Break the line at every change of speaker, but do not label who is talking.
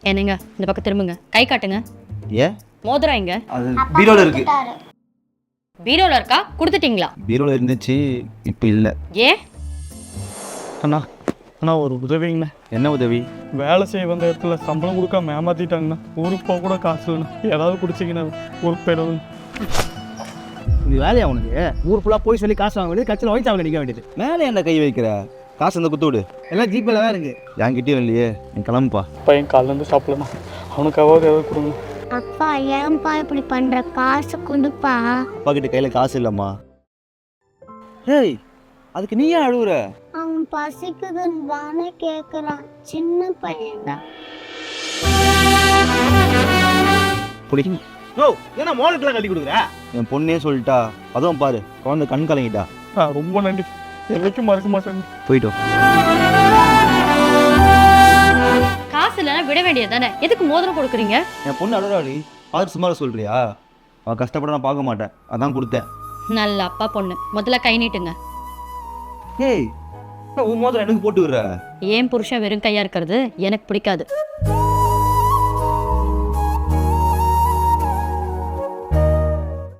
என்னங்க இந்த பக்கம் திரும்புங்க, கை காட்டுங்க.
ஏன்?
மோதிரம் எங்க?
அது பீரோல இருக்கு.
பீரோல இருக்கா? கொடுத்துட்டீங்களா?
பீரோல இருந்துச்சு, இப்போ இல்லை.
ஏன்?
அண்ணா அண்ணா ஒரு உதவிங்கண்ணா.
என்ன உதவி?
வேலை செய்ய வந்த இடத்துல சம்பளம் கொடுக்காம ஏமாத்திட்டாங்கண்ணா. ஊருக்கு போக கூட காசு இல்லைண்ணா. ஏதாவது குடிச்சிங்கண்ணா ஊருக்கு போயிடுவேன்.
இது வேலையா உனக்கு? ஊர் ஃபுல்லாக போய் சொல்லி காசு வாங்க வேண்டியது, கட்சியில் ஒயிட் அவங்க நிற்க வேண்டியது.
மேலே என்ன கை வைக்கிற? காசு அந்த குத்து விடு.
எல்லாம் ஜிபேல தான் இருக்கு.
என்கிட்டயும் இல்லையே, நீ கிளம்புப்பா.
பையன் காலிலேருந்து சாப்பிடலண்ணா. அவனுக்காவது ஏதாவது கொடுங்க.
அப்பா ஏன்பா இப்படி பண்ற? காசு கொடுப்பா.
அப்பா கிட்ட கையில் காசு இல்லைம்மா. ஏய், அதுக்கு நீ ஏன் அழுகுற?
அவன் பசிக்குதுன்னு தானே கேட்குறான். சின்ன பையன்தான்.
புடி.
ஓ, ஏன்னா மோளுக்கெல்லாம் கட்டி கொடுக்குற?
என் பொண்ணே சொல்லிட்டா. அதுவும் பாரு, குழந்தை கண் கலங்கிட்டா.
ரொம்ப நன்றி. என்னைக்கும் மறக்க மாட்டேன்.
போயிட்டோம்.
காசு இல்லைன்னா விட வேண்டியது தானே, எதுக்கு மோதிரம் கொடுக்குறீங்க?
என் பொண்ணு அழுறாடி, பார்த்து சும்மா சொல்றியா? அவன் கஷ்டப்பட நான் பார்க்க மாட்டேன், அதான் கொடுத்தேன்.
நல்ல அப்பா பொண்ணு, முதல்ல கை நீட்டுங்க.
ஏய், உன் மோதிரம் எனக்கு போட்டு விடுற?
ஏன் புருஷன் வெறும் கையா இருக்கிறது எனக்கு பிடிக்காது.